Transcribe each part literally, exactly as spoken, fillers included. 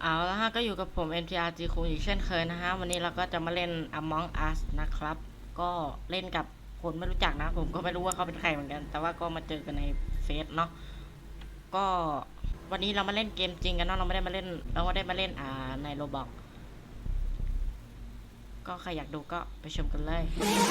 เอาละฮะก็อยู่กับผม เอ็น ที อาร์ จี คุงอีกเช่นเคยนะฮะวันนี้เราก็จะมาเล่น Among Us นะครับก็เล่นกับคนไม่รู้จักนะผมก็ไม่รู้ว่าเขาเป็นใครเหมือนกันแต่ว่าก็มาเจอกันในเฟซเนาะก็วันนี้เรามาเล่นเกมจริงกันเนาะเราไม่ได้มาเล่นเราไม่ได้มาเล่นอ่าในโรบอกก็ใครอยากดูก็ไปชมกันเลย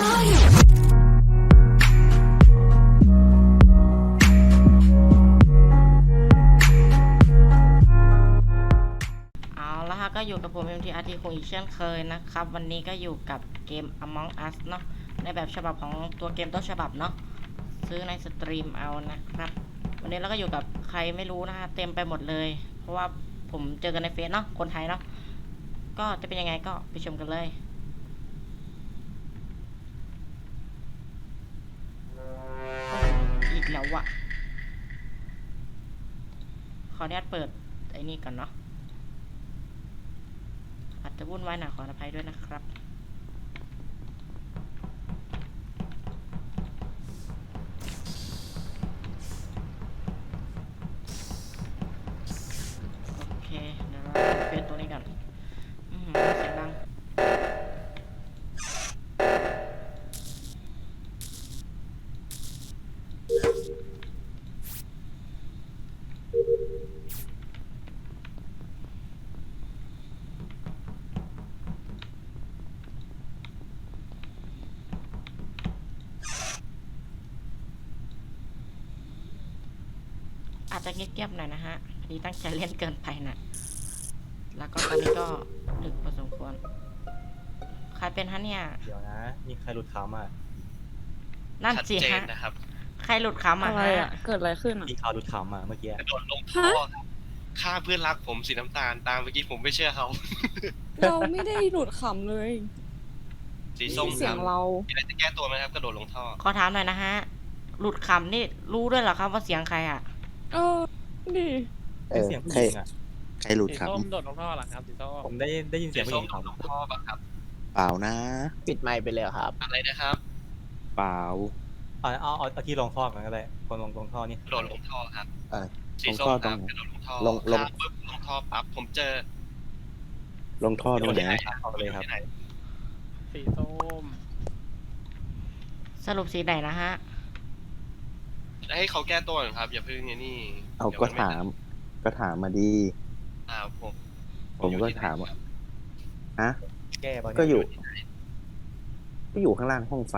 ก็อยู่กับผม เอ็ม ที อาร์ ที คงอีกเช่นเคยนะครับวันนี้ก็อยู่กับเกม Among Us เนาะในแบบฉบับของตัวเกมต้นฉบับเนาะซื้อในสตรีมเอานะครับวันนี้เราก็อยู่กับใครไม่รู้นะฮะเต็มไปหมดเลยเพราะว่าผมเจอกันในเฟซเนาะคนไทยเนาะก็จะเป็นยังไงก็ไปชมกันเลยอีกแล้วอะขออนุญาตเปิดไอ้นี่ก่อนเนาะอาจจะวุ่นวายหน่อยขออภัยด้วยนะครับโอเคเดี๋ยวเราเปลี่ยนตัวนี้กันเสียงดังอาจจะเงียบๆหน่อยนะฮะพอดีตั้งใจเล่นเกินไปนะแล้วก็ตอนนี้ก็ดึกพอสมควรใครเป็นฮะเนี่ยเดี๋ยวนะมีใครหลุดขำอ่ะนั่นสิฮะนะครับใครหลุดขำอ่ะอะไรฮะอ่ะ เกิดอะไรขึ้นอ่ะมีข่าวหลุดขำอ่ะเมื่อกี้กระโดดลงท่อครับฆ่าเพื่อนรักผมสีน้ำตาลตามเมื่อกี้ผมไม่เชื่อเขาเราไม่ได้หลุดขำเลยสีส้มเสียงเรามีอะไรจะแก้ตัวไหมครับกระโดดลงท่อขอถามหน่อยนะฮะหลุดขำนี่รู้ด้วยเหรอครับว่าเสียงใครอ่ะเออดิเอเป็นอเสียงผู้ใครหญิงอ่ะใครหลุดสีครับส้มโดดลงท่อเหรอครับสีส้มผมได้ได้ยินเสีสียงผู้หส้ญิมงโดดลงท่อป่ะครับเปล่านะปิดไมค์ไปเลยครับอะไรนะครับเปล่าเอาเอาเอาเอาที่ลงท่อกันก็ได้คนลงลงท่อนี่กระโดดลงท่อครับเออสีลงส้ท่มอคตรรับงไหนกระโดดลงท่อลงลงฆ่าปุ๊บลงท่อปั๊บผมเจอลงท่อตรงไหนเอาไปเลยครับที่ไหนสีส้มสรุปสีไหนนะฮะให้เขาแก้ตัวหน่อยครับอย่าเพิ่งเนี่ยนี่เอาดี๋ยวก็นไถาม ก็ถามมาดีอ่าผมผมก็ถามว่า ฮะแก้ป่ะเนี่ก็อยู่ ก็อยู่ข้างล่างห้องไฟ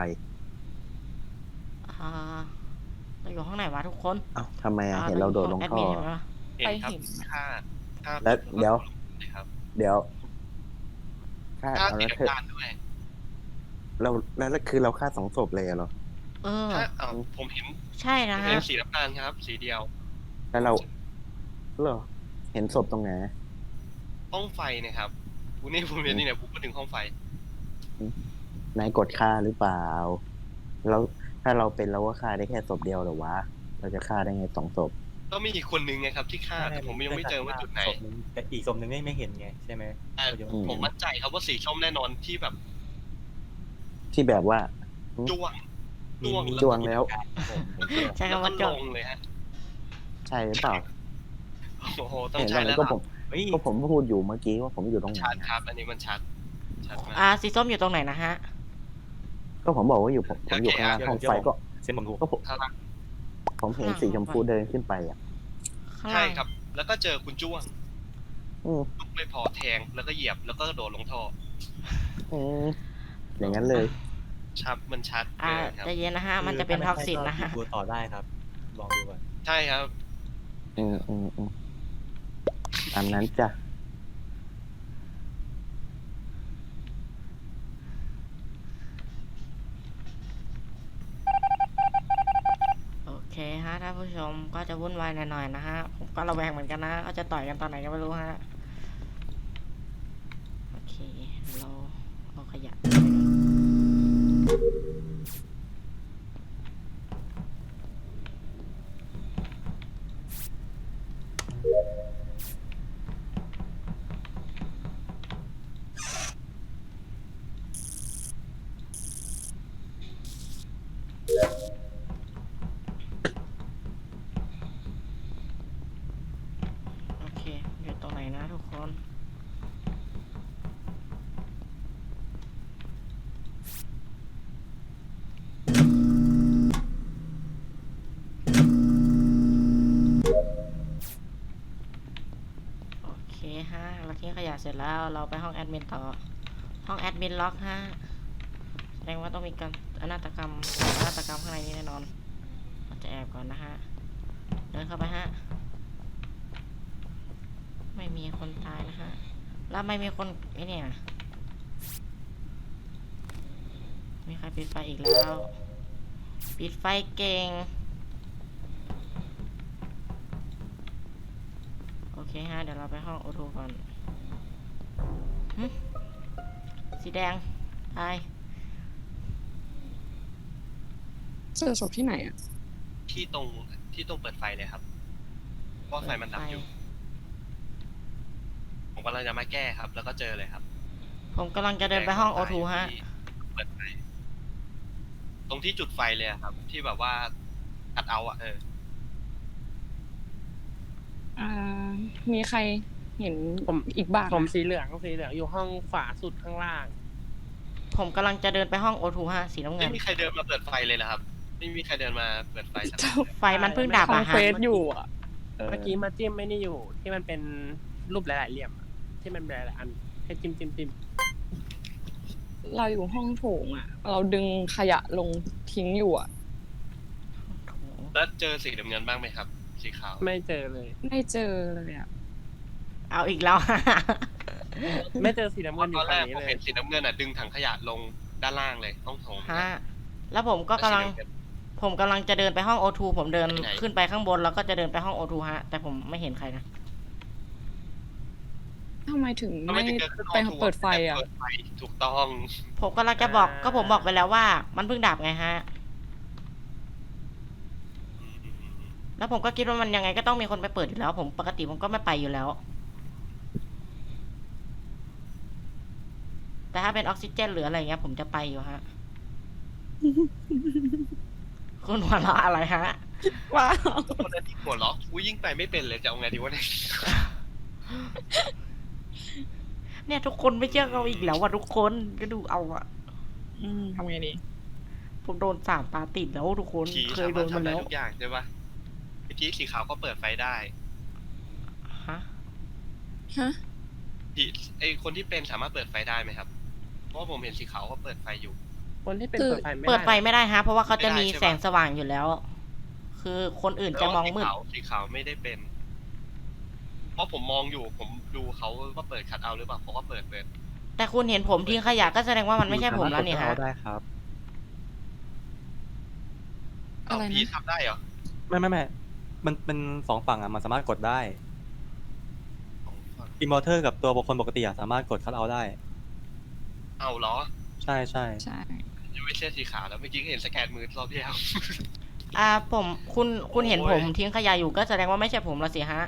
อ่าเราอยู่ข้างไหนวะทุกคนเอ้าทำไมอ่ะอ่เห็นเราโดดลงแอดท่อมินใช่ไหมวะเห็นครับฆ่าฆ่าแล้วเดี๋ยวครับเดี๋ยวฆ่าฆ่าเอาสีแล้วเธอน้ำตาลด้วยเราแล้วแล้วคือเราฆ่าสองศพเลยเหรอเออถ้าเอาผมเห็นใช่นะเห็ฮะนสีน้ำตาลครับ สีเดียวแล้วเราเหรอเห็นศพตรงไหนห้องไฟนะครับกูนี่ผมเรียนนี่เนี่ยผมก็ถึงห้องไฟนายกดฆ่าหรือเปล่า แล้วถ้าเราเป็นเราก็ฆ่าได้แค่ศพเดียวเหรอวะ เราจะฆ่าได้ไงสองศพก็มีอีกคนนึงไงครับที่ฆ่าแต่ผมยังไม่เจอว่าจุดไหนศพนึงแต่อีกศพนึงไม่ไม่เห็นไงใช่ไหมแต่อืมผมมั่นใจครับว่าสีส้มแน่นอนที่แบบที่แบบว่าจ้วงมีจ้วงมีจ้วงแล้วผมผมเชื่อใช้แล้วคำก็ว่าลจบงเลยฮะใช่หรือเปล่าโอ้โหต้องเห็นใช้อะไรแล้วก็ล่ะผมเฮ้ยก็ผมพูดอยู่เมื่อกี้ว่าผมอยู่ตรงไหนชัดอะครับ อันนี้มันชัดชัดมากอ่าสีส้มอยู่ตรงไหนนะฮะก็ผมบอกว่าอยู่ผมผมอยู่ข้างล่างห้องไฟก็เส้นผมถูกก็ผมข้างล่างผมเห็นสีชมพูเดินขึ้นไปอ่ะข้างใช่ล่างครับ แล้วก็เจอคุณจ้วงอืมลุกไม่พอแทงแล้วก็เหยียบแล้วก็กระโดดลงท่ออืมอย่างนั้นเลยชัดมันชัดอ่าเกินครับใจเย็นนะฮะมันจะเป็นท็อกซินนะฮะดูต่อได้ครับลองดูก่อนใช่ครับอืมอืมอืมตามนั้นจ้ะโอเคฮะท่านผู้ชมก็จะวุ่นวายหน่อยๆนะฮะผมก็ระแวงเหมือนกันนะเขาจะต่อยกันตอนไหนก็ไม่รู้ฮะโอเคเราเอาขยะโอเคอยู่ตรงไหนนะทุกคนฮะเราทิ้งขยะเสร็จแล้วเราไปห้องแอดมินต่อ ห้องแอดมินล็อกฮะแสดงว่าต้องมีการอนาตกรรมอนาตกรรมข้างในนี้แน่นอนเราจะแอบก่อนนะฮะเดินเข้าไปฮะไม่มีคนตายนะฮะแล้วไม่มีคนไอ้เนี่ยมีใครปิดไฟอีกแล้ว ปิดไฟเก่งโอเคฮะเดี๋ยวเราไปห้องโอทูก่อนหึสีแดงตายเจอศพที่ไหนอ่ะที่ตรงที่ตรงเปิดไฟเลยครับเพราะว่าไฟมันดับอยู่ ผมกำลังจะมาแก้ครับ แล้วก็เจอเลยครับผมกำลังจะเดินไปห้องโอทูฮะที่เปิดไฟตรงที่จุดไฟเลยอะครับ ที่แบบว่าอัดเอาอะเอออ่า มีใครเห็นผมอีกบ้างผมอะสีเหลืองสีเหลืองอยู่ห้องขวาสุดข้างล่างผมกำลังจะเดินไปห้องโอทูฮะสีน้ำเงิไม่นมีใครเดินมาเปิดไฟเลยเหรอครับ ไม่มีใครเดินมาเปิดไฟสักคนเลยไฟมันเพิ่งดับทำอะเฟฮะซอยู่อ่ะเออเมื่อกี้มาจิ้มไม่นี่อยู่ ที่มันเป็นรูปหลายๆเหลี่ยมอะที่มันหลายๆอันให้จิ้มจิ้มจิ้มเราอยู่ห้องโถงอ่ะ เราดึงขยะลงทิ้งอยู่อ่ะแล้วเจอสีน้ำเงินบ้างไหมครับ สีขาวไม่เจอเลยไม่เจอเลยอ่ะเอาอีกแล้ว ฮะไม่เจอสีน้ำเงินอตยู่อนแรฝั่งกนี้ผมเลยเห็นสีน้ำเงินอะดึงถังขยะลงด้านล่างเลยต้องโถงฮะแล้วผมก็กำลัง ผมกำลังจะเดินไปห้องโอทูผมเดินขึ้นไปข้างบนแล้วก็จะเดินไปห้องโอทูฮะ แต่ผมไม่เห็นใครนะทำไมถึงทำไมไม่ถึงเดินขึ้นไปห้องเปิดไฟอ่ะเปิดไฟถูกต้องผมกำลังจะบอกก็ผมบอกไปแล้วว่า มันเพิ่งดับไงฮะ แล้วผมก็คิดว่ามันยังไงก็ต้องมีคนไปเปิดอยู่แล้ว ผมปกติผมก็ไม่ไปอยู่แล้ว แต่ถ้าเป็นออกซิเจนหรืออะไรเงี้ย ผมจะไปอยู่ฮะ คุณหัวเราะอะไรฮะว้าวคนนั้นที่หัวเราะอุ้ยยิ่งไปไม่เป็นเลยจะเอาไงดีวะเนี่ยเนี่ยทุกคนไม่เชื่อเราอีกแล้วว่ะทุกคนก็ดูเอาอะอืมทำไงดีผมโดนสามตาติดแล้วทุกคนผีเคสายโดมารถนมาทำได้แล้วทุกอย่างใช่ปะเมื่อกี้สีขาวก็เปิดไฟได้ฮะฮะผีไอคนที่เป็นสามารถเปิดไฟได้ไหมครับ เพราะว่าผมเห็นสีขาวก็เปิดไฟอยู่คนที่เป็นคือเปิดไฟไม่เปิดไฟได้ไม่ได้ฮะ เพราะว่าเขาจะมีไม่ได้ใช่ปะแสงสว่างอยู่แล้ว คือคนอื่นจะมองมืดแล้วสีขาวสีขาวไม่ได้เป็น เพราะผมมองอยู่ผมดูเขาว่าเปิดคัดเอาท์หรือเปล่าเขาก็เปิดเปิดแต่คุณเห็นผมทิ้งขยะก็แสดงว่ามันไม่ใช่ผมแล้วนี่ฮะได้ครับเอาอะไรนะผีทำได้เหรอไม่ไม่ไม่มันเป็นสองฝั่งอ่ะมันสามารถกดได้อิมมอร์เตอร์กับตัวบุคคลปกติอ่ะสามารถกดคัทเอาท์ได้เอาเหรอใช่ใช่ใช่ยังไม่ใช่สีขาวแล้วเมื่อกี้ก็เห็นสแกนมือรอบที่แล้วอ่าผมคุณคุณเห็นโอ้ยผมทิ้งขยะอยู่ก็แสดงว่าไม่ใช่ผมละสิฮะ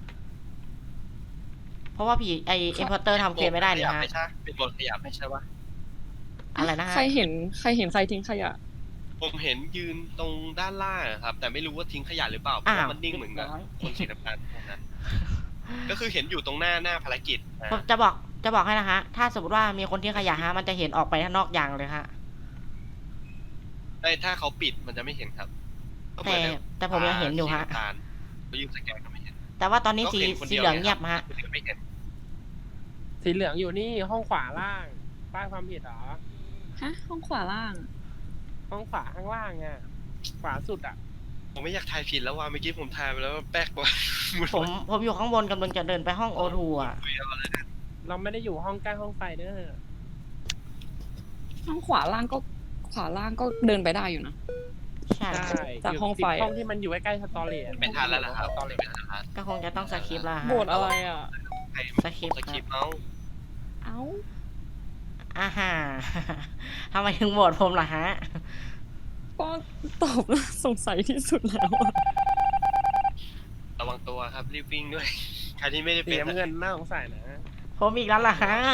เพราะว่าผีไอเอ็มพอร์เตอร์ทำเควสไม่ได้นี่ฮะไม่ใช่เป็นบทขยับไม่ใช่ปะอะไรนะฮะใครเห็นใครเห็นใครทิ้งขยะผมเห็นยืนตรงด้านล่างอะครับ แต่ไม่รู้ว่าทิ้งขยะหรือเปล่าเพราะว่ามันนิ่งเหมือนกับคนสีน้ำตาลพวกนั้น ก็คือเห็นอยู่ตรงหน้าหน้าภารกิจนะผมจะบอกจะบอกให้นะฮะ ถ้าสมมติว่ามีคนทิ้งขยะฮะ มันจะเห็นออกไปข้างนอกยางเลยฮะไอ้ถ้าเขาปิดมันจะไม่เห็นครับก็เหมืแต่อนกับแต่ผมยังเห็นอยู่ฮะสีน้ำตาลเขายืนสแกนก็ไม่เห็นแต่ว่าตอนนี้สีก็ห็คสีดีวเหลืองเงียบฮะคนอื่นไม่เห็นสีเหลืองอยู่นี่ห้องขวาล่าง ป้ายความผิดเหรอฮะ ห้องขวาล่างห้องขวาข้างล่างอ่ะ ขวาสุดอ่ะผมไม่อยากทายผิดแล้วว่าเมื่อกี้ผมทายไปแล้วว่าแป๊กกว่าผมผมอยู่ข้างบนกำลังจะเดินไปห้องโอทูอ่ะเราไม่ได้อยู่ห้องใกล้ห้องไฟเด้อห้องขวาล่างก็ขวาล่างก็เดินไปได้อยู่นะใช่ใช่จากห้องไฟห้องที่มันอยู่ใกล้ๆสตอเรียไม่ทันแล้วล่ะครับสตอเรียไม่ทันแล้วก็คงจะต้องสคริปต์ละฮะโบสอะไรอ่ะใครสคริปต์สคริปต์เมาส์เอ้าอ่าฮะ ทำไมถึงโหวตผมล่ะฮะก็ตอบแล้วสงสัยที่สุดแล้วอะระวังตัวครับรีบวิ่งด้วย ใครที่ไม่ได้สีเป็นน้ำเงินน่าสงสัยนะผมอีกแล้วล่ะฮะ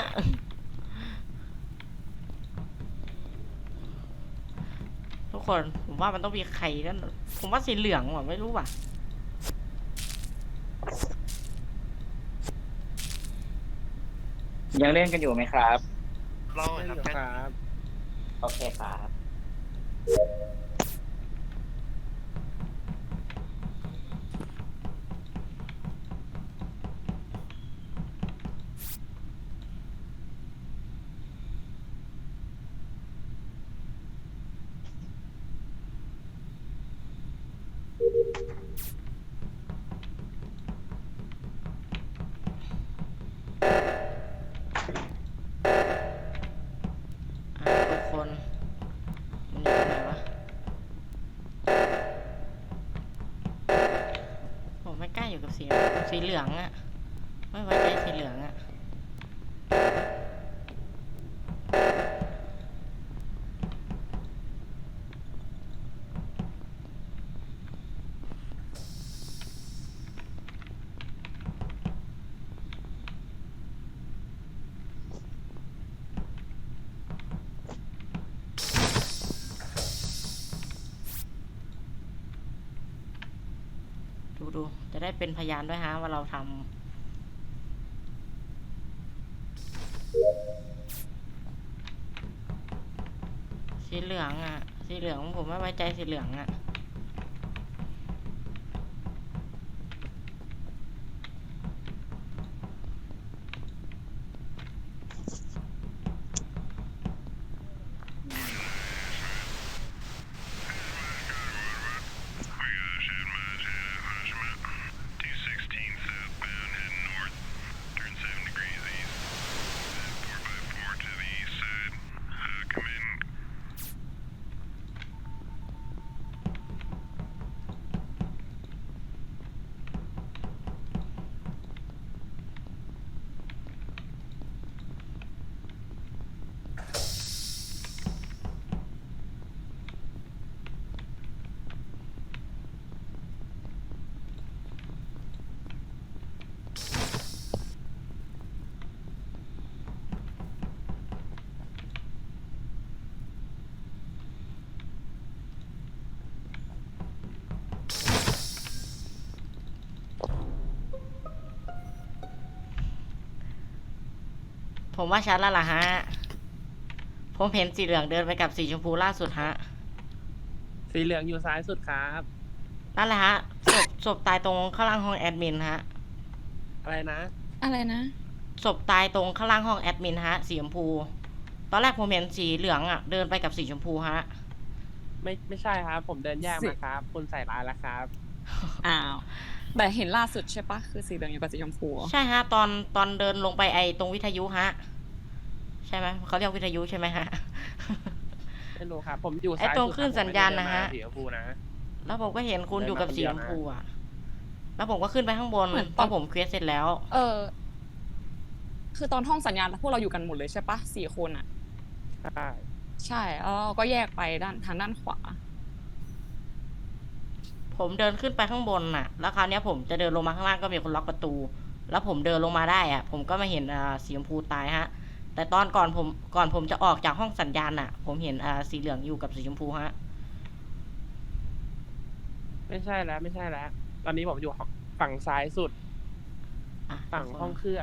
ทุกคนผมว่ามันต้องมีใครนั่นผมว่าสีเหลืองว่ะไม่รู้ว่ะยังเล่นกันอยู่ไหมครับรอดครับครับโอเคครับเหลืองอะไม่ไว้ใจสีเหลืองอะดูดูจะได้เป็นพยานด้วยฮะว่าเราทำสีเหลืองอ่ะสีเหลืองผมไม่ไว้ใจสีเหลืองอ่ะผมว่าชัดแล้วล่ะฮะผมเห็นสีเหลืองเดินไปกับสีชมพูล่าสุดฮะสีเหลืองอยู่ซ้ายสุดครับนั่นแหละฮะศพศพตายตรงข้างล่างห้องแอดมินฮะอะไรนะอะไรนะศพตายตรงข้างล่างห้องแอดมินฮะสีชมพูตอนแรกผมเห็นสีเหลืองอ่ะเดินไปกับสีชมพูฮะไม่ไม่ใช่ครับ ผมเดินแยกมาครับ คุณใส่ร้ายแล้วครับอ้าวแต่เห็นล่าสุดใช่ปะคือสีเหลืองอยู่กับสีชมพูใช่ฮะตอนตอนเดินลงไปไอตรงวิทยุฮะใช่ไหมเขาเรียกวิทยุใช่ไหมฮะไม่รู้ครับ ผมอยู่ไอ้ซ้ายตรงสุดคลื่นสัญญาณนะฮะผมไม่ได้เดินมาสีชมพูนะแล้วผมก็เห็นคุณอยู่กับสีชมพูอ่ะแล้วผมก็ขึ้นไปข้างบนเหมือนเพตอนราะผมเควสเสร็จแล้วเออ คือตอนห้องสัญญาณพวกเราอยู่กันหมดเลยใช่ปะสี่คนอ่ะใช่ใช่แล้วเราก็แยกไปด้านทางด้านขวาผมเดินขึ้นไปข้างบนน่ะ แล้วคราวเนี้ยผมจะเดินลงมาข้างล่างก็มีคนล็อกประตู แล้วผมเดินลงมาได้อ่ะ ผมก็มาเห็นอ่าสีชมพูตายฮะ แต่ตอนก่อนผมก่อนผมจะออกจากห้องสัญญาณน่ะ ผมเห็นอ่าสีเหลืองอยู่กับสีชมพูฮะไม่ใช่แล้วไม่ใช่แล้ว ตอนนี้ผมอยู่ฝั่งซ้ายสุดอ่ะฝั่งห้องเครื่อง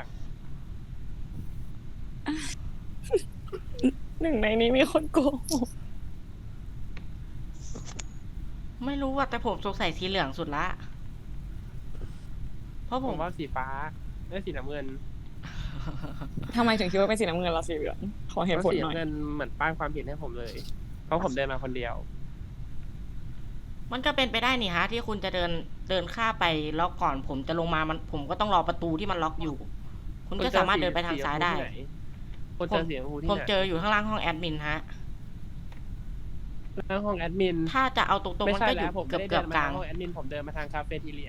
หนึ่งในนี้มีคนโกหกไม่รู้ว่าแต่ผมสงสัยสีเหลืองสุดละ เพราะผผม มว่าสีฟ้าไม่สีน้ำเงินทำไมถึงคิดว่าเป็นสีน้ำเงินและสีเหลืองขอเหตุเพผราะลสีหน่อยน้ำเงินเหมือนป้ายความผิดให้ผมเลย เพราะผมเดินมาคนเดียวมันก็เป็นไปได้นี่ฮะ ที่คุณจะเดินเดินข้ามไปแล้วก่อนผมจะลงมามันผมก็ต้องรอประตูที่มันล็อกอยู่ คุณก็สามารถเดินไปทางซ้ายได้คนเจอสีชมพูที่ผมไหนเจออยู่ข้างล่างห้องแอดมินฮะแล้วห้องแอดมินถ้าจะเอาตรงๆไม่มันใช่ก็อแล้ยู่วผมเกือบไม่ได้เกืเดิอบนกมาลาทาง งห้องแอดมินผมเดินมาทางคาเฟ่ทีเรีย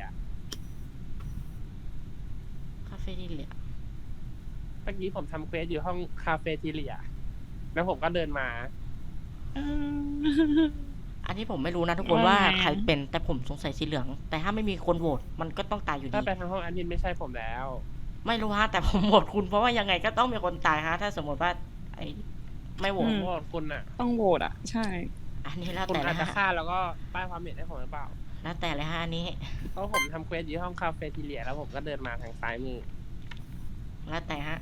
คาเฟ่ที่เหลือเมื่อกี้ผมทำเควสอยู่ห้องคาเฟ่ทีเรีย แล้วผมก็เดินมาอันนี้ผมไม่รู้นะทุกคนว่าใครเป็นแต่ผมสงสัยสีเหลือง แต่ถ้าไม่มีคนโหวตมันก็ต้องตายอยู่ดีถ้าไปทางห้องแอดมินไม่ใช่ผมแล้วไม่รู้ฮะแต่ผมโหวตคุณเพราะว่ายังไงก็ต้องมีคนตายฮะ ถ้าสมมติว่า ไอ้ไม่โหวผตมว่าคุณอ่ะต้องโหวตอ่ะ ใช่อันนี้แล้วคุณแต่อาละจจะฮะฆ่าแล้วก็ป้ายความผิดให้ผมหรือเปล่าแล้วแต่เลยฮะอันนี้เพราะผมทำเควสอยู่ห้องคาเฟ่ทีเรีย แล้วผมก็เดินมาทางซ้ายมือแล้วแต่ฮะ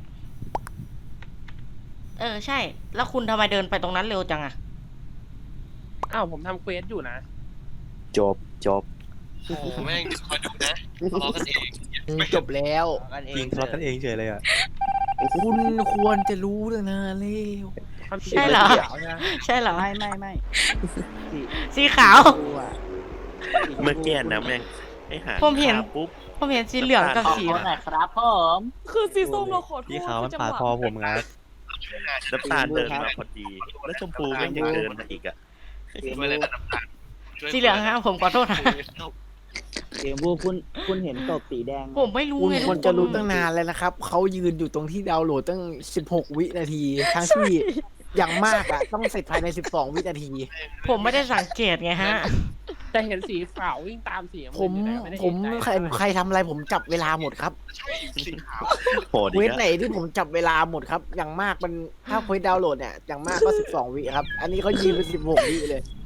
เออใช่ แล้วคุณทำไมเดินไปตรงนั้นเร็วจังอะอ้าวผมทำเควสอยู่นะจบจบโอ้โหแม่งคอยดูนะทะเลาะกันเองจบแล้วยิงทะเลาะกันเองเฉยเลยอ่ะคุณควรจะรู้ตั้งนานแล้วความผิดใช่เหรอสีขียวนะใช่เหรอไม่ไม่ไม่สีสีขาวดูอะเมื่อกี้นะแม่งไอ้หาผมเห็นขาปุ๊บผมเห็นสีเหลืองกับสีขอหน่อยครับผมคือสีส้มเราขอโทษพี่เขาวมันคือปาดจังหวะคอผมงัดน้ำตาลเดินมาพอดี แล้วชมพูแม่งยังเดินมาอีกอ่ะไม่เลยนะน้ำตาลช่วยสีเหลืองฮะผมขอโทษนะเสียงพูคุณคุณเห็นศพสีแดงผมไม่รู้คุณไงควรจะรู้ตั้งนานแล้วนะครับ เขายืนอยู่ตรงที่ดาวน์โหลดตั้งสิบหกวินาที ทั้งที่อย่างมากอะต้องเสร็จภายในสิบสองวินาทีผมไม่ได้สังเกตไงฮะแต่เห็นสีขาววิ่งตามสีน้ำผเงินมอยู่แต่ไได้ผมเอกใครใจใครทำอะไรผมจับเวลาหมดครับใช่สีขาวโหดอีเวกทแล้วไหนที่ผมจับเวลาหมดครับ อย่างมากมันถ้าเควสดาวน์โหลดเนี่ยอย่างมากก็สิบสองวิครับ อันนี้เขายืนเป็นสิบหกวิเลย